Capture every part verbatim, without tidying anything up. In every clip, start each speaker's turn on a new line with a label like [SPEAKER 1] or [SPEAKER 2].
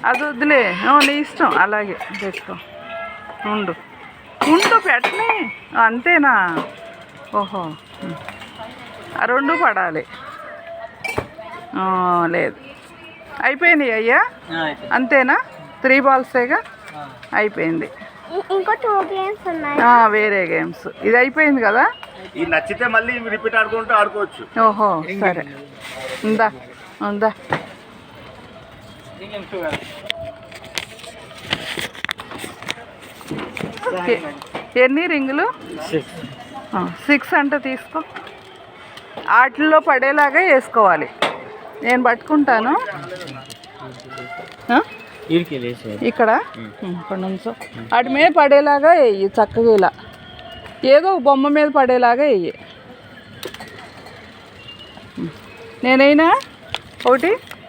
[SPEAKER 1] అది వద్దులే, నీ ఇష్టం, అలాగే తెచ్చుకో. ఉండు ఉండు పెట్టనే, అంతేనా? ఓహో, ఆ రెండు పడాలి. లేదు, అయిపోయినాయి అయ్యా, అంతేనా? త్రీ బాల్సేగా, అయిపోయింది.
[SPEAKER 2] ఇంకా టూ గేమ్స్ ఉన్నాయి,
[SPEAKER 1] వేరే గేమ్స్. ఇది అయిపోయింది కదా,
[SPEAKER 3] ఇది నచ్చితే మళ్ళీ రిపీట్ ఆడుకుంటూ ఆడుకోవచ్చు.
[SPEAKER 1] ఓహో సరే, ఉందా ఉందా. ఎన్ని రింగులు? సిక్స్ అంటే తీసుకో. వాటిల్లో పడేలాగా వేసుకోవాలి. నేను పట్టుకుంటాను. ఇక్కడ ఇక్కడ నుంచో వాటి మీద పడేలాగా వేయి చక్కగా. ఇలా ఏదో బొమ్మ మీద పడేలాగా వేయి. నేనైనా ఒకటి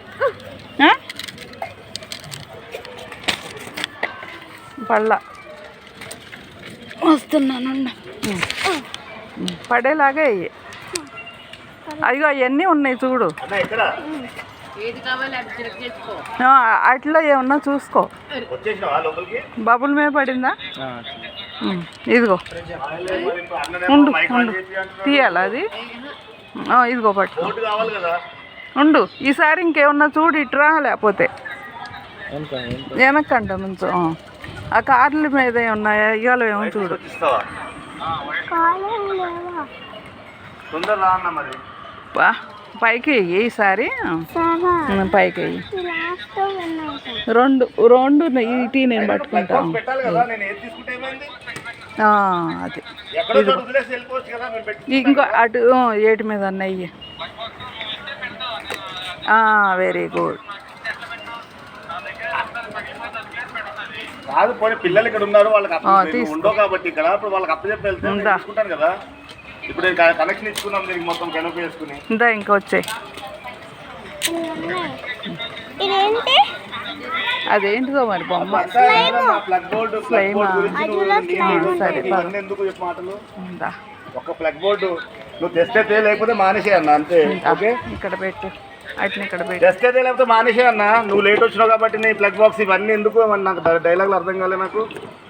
[SPEAKER 1] పళ్ళ వస్తున్నాను. పడేలాగా వేయి. అయ్యో అవన్నీ ఉన్నాయి చూడు, అట్లా ఏమన్నా చూసుకో. బబుల్ మీద పడిందా? ఇదిగో ఉండు ఉండు, తీయాలా అది? ఇదిగో పట్టు, ఉండు. ఈసారి ఇంకేమన్నా చూడు, ఇట్రా. లేకపోతే వెనక్కంట నుంచో. ఆ కార్ల మీద ఉన్నాయా ఇవాళ ఏమో చూడు. పైకి వెయ్యి ఈసారి, పైకి వెయ్యి. రెండు రెండు ఇటీ నేను పట్టుకుంటాను. అది ఇంకో అటు ఏటి మీద అన్నయ్యి. Very good.
[SPEAKER 3] కాదు పోనీ పిల్లలు ఇక్కడ ఉన్నారు, వాళ్ళకి ఉండవు కాబట్టి ఇక్కడ ఇప్పుడు వాళ్ళకి అప్పచెప్పి వెళ్తే కదా. ఇప్పుడు కనెక్షన్ ఇచ్చుకున్నాం దీనికి మొత్తం కనుక వేసుకుని.
[SPEAKER 1] ఇందా ఇంకా వచ్చాయి. అదేంటిదో మరి బొమ్మ.
[SPEAKER 3] ప్లగ్ బోర్డు సరే ఎందుకు చెప్పు మాటలు. ఒక ప్లగ్ బోర్డు నువ్వు తెస్తే లేకపోతే మానేసే అన్న, అంతే. ఓకే,
[SPEAKER 1] ఇక్కడ పెట్టు, అట్లా ఇక్కడ పెట్టు.
[SPEAKER 3] తెస్తే లేకపోతే మానేసే అన్న. నువ్వు లేట్ వచ్చినావు కాబట్టి నీ ప్లగ్ బాక్స్ ఇవన్నీ ఎందుకు? నాకు డైలాగులు అర్థం కాలే నాకు.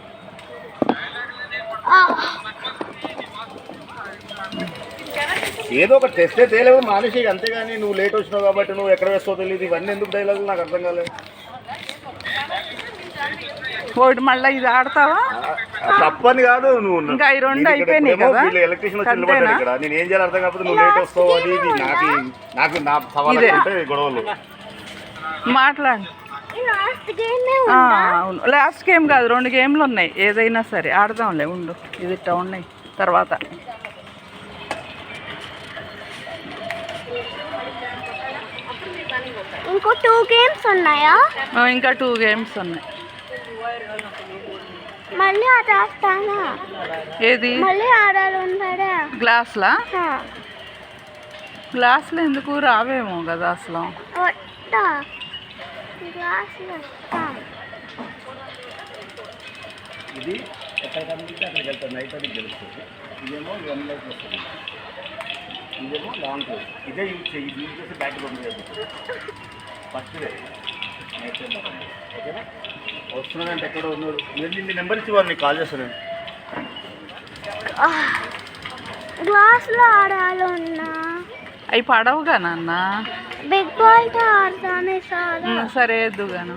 [SPEAKER 3] ఏదో ఒకటి తెస్తే తేలేవు మానేసి, అంతేగాని నువ్వు లేట్ వచ్చినావు కాబట్టి నువ్వు ఎక్కడ వేస్తావు తెలియదు. ఇవన్నీ ఎందుకు డైలాగులు నాకు అర్థం కాలేదు.
[SPEAKER 1] ఒకటి మళ్ళీ ఇది ఆడతావా?
[SPEAKER 3] తప్పని కాదు, నువ్వు
[SPEAKER 1] ఇంకా ఈ రెండు అయిపోయినాయి కదా.
[SPEAKER 3] ఎలక్ట్రీషియన్ వచ్చి నిలబడ్డాడు ఇక్కడ. నేను ఏం చేయాలి అర్థం కాకపోతే నువ్వు లేట్ వస్తావు. అది ఇది నాకు నాకు నా సవాలు అంటే గొడవలు.
[SPEAKER 1] మాట్లాడు. అవును, లాస్ట్ గేమ్ కాదు, రెండు గేమ్లు ఉన్నాయి. ఏదైనా సరే ఆడదాంలే, ఉండు. ఇది ఇట్లా ఉన్నాయి తర్వాత.
[SPEAKER 2] ఇంకో టూ గేమ్స్ ఉన్నాయా?
[SPEAKER 1] ఇంకా టూ గేమ్స్ ఉన్నాయి.
[SPEAKER 2] మళ్ళీ ఆట ఆడతానా?
[SPEAKER 1] ఏది?
[SPEAKER 2] మళ్ళీ ఆడాలి ఉంటాడా?
[SPEAKER 1] గ్లాస్లా? గ్లాసులు ఎందుకు రావేమో కదా అసలు.
[SPEAKER 3] ఇది ఎక్కడ కనిపిస్తే అక్కడికి వెళ్తాను. నైట్ అది గెలుస్తుంది. ఇదేమో వన్ లైఫ్ వస్తుంది, ఇదేమో లాంగ్ టైం. ఇదే యూజ్ చేయి. ఇది యూజ్ చేసి బ్యాక్ పంపించేది ఫస్ట్ నైట్ టైం. ఓకేనా? వస్తున్నానంటే ఎక్కడ ఉన్నారు మీరు? నిన్న నెంబర్ ఇచ్చి వారు నీకు కాల్ చేస్తాను.
[SPEAKER 2] గ్లాస్లో ఆడాలి ఉన్నా
[SPEAKER 1] అవి పడవుగా నాన్న.
[SPEAKER 2] బిగ్ బాల్తో ఆడతానే సార్.
[SPEAKER 1] సరే ఎద్దుగాను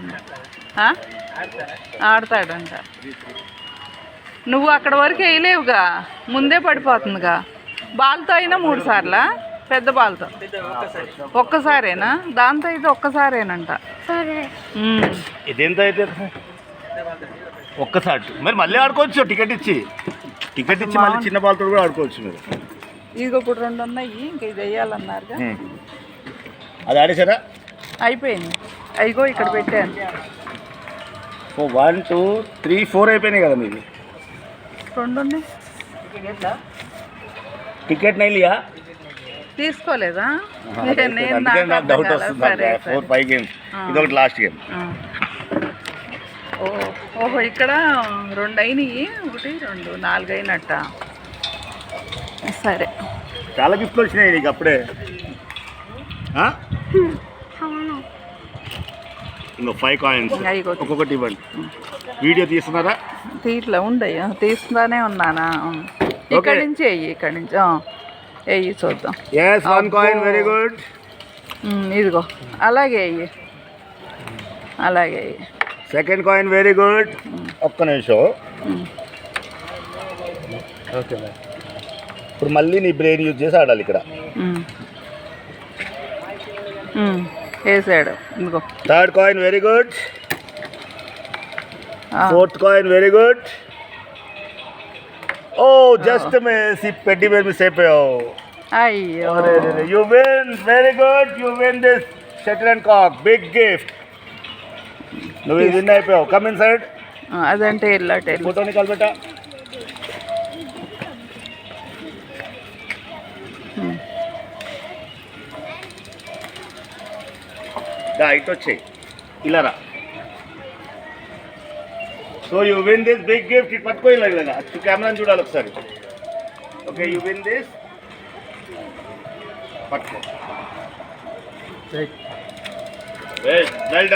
[SPEAKER 1] ఆడతాడంట. నువ్వు అక్కడ వరకు వేయలేవుగా, ముందే పడిపోతుందిగా. బాల్తో అయినా మూడు సార్లా? పెద్ద బాల్తో ఒక్కసారేనా? దాంతో అయితే ఒక్కసారేనంట.
[SPEAKER 2] సరే,
[SPEAKER 3] ఇదేంత అయితే ఒక్కసారి మరి మళ్ళీ ఆడుకోవచ్చు. టికెట్ ఇచ్చి టికెట్ ఇచ్చి మళ్ళీ చిన్న బాల్తో కూడా ఆడుకోవచ్చు మీరు.
[SPEAKER 1] ఇదిగో ఇప్పుడు రెండు ఉన్నాయి, ఇంకా ఇది వేయాలన్నారుగా.
[SPEAKER 3] అది ఆడేసారా?
[SPEAKER 1] అయిపోయింది. అయిగో ఇక్కడ పెట్టాను.
[SPEAKER 3] Oh one two three four అయిపోయినాయి కదా మీది.
[SPEAKER 1] రెండు ఉన్నాయి.
[SPEAKER 3] టికెట్ నైలియా
[SPEAKER 1] తీసుకోలేదా?
[SPEAKER 3] డౌట్ వస్తుంది. ఫోర్ ఫైవ్ గేమ్స్, ఇది ఒకటి లాస్ట్ గేమ్.
[SPEAKER 1] ఓ ఓహో, ఇక్కడ రెండు అయినాయి. ఒకటి రెండు నాలుగు అయినట్ట. సరే,
[SPEAKER 3] చాలా గిఫ్ట్లు వచ్చినాయి నీకు అప్పుడే. ఇంకో ఫైవ్ కాయిన్స్
[SPEAKER 1] ఇంకా ఇగో.
[SPEAKER 3] ఒక్కొక్కటి ఇవ్వండి. వీడియో తీస్తున్నారా?
[SPEAKER 1] తీట్లా ఉండయి తీస్తున్నానే ఉన్నానా ఇక్కడి నుంచి వెయ్యి ఇక్కడి నుంచి వెయ్యి చూద్దాం.
[SPEAKER 3] Yes one coin very good.
[SPEAKER 1] Um, ఇదిగో అలాగే వెయ్యి అలాగే వెయ్యి.
[SPEAKER 3] Second coin very good. ఒక్క నిమిషం.
[SPEAKER 1] ఉమ్,
[SPEAKER 3] ఓకే ఇప్పుడు మళ్ళీ నీ బ్రెయిన్ యూజ్ చేసి ఆడాలి ఇక్కడ.
[SPEAKER 1] ఉమ్. ఉమ్, వేసాడు ఇదిగో.
[SPEAKER 3] Third coin very good.
[SPEAKER 1] ఆ,
[SPEAKER 3] fourth coin very good. Oh just miss. ఈ పెట్టి మీద మిస్ అయిపోయావు.
[SPEAKER 1] అయ్యో
[SPEAKER 3] you win very good. You win this shuttle and cock big gift. నువ్వు ఇది విన్ అయిపోయావు. Come inside.
[SPEAKER 1] ఆ, అదంటే వెళ్ళట
[SPEAKER 3] ఫోటో నికాల్ బేటా. దా ఇటు వచ్చేయి ఇలా రా. So you win this big gift. ఇటు పట్టుకో ఇలా ఇలాగా అటు కెమెరాని చూడాలి ఒకసారి. Okay you win this. పట్టుకో. Well done.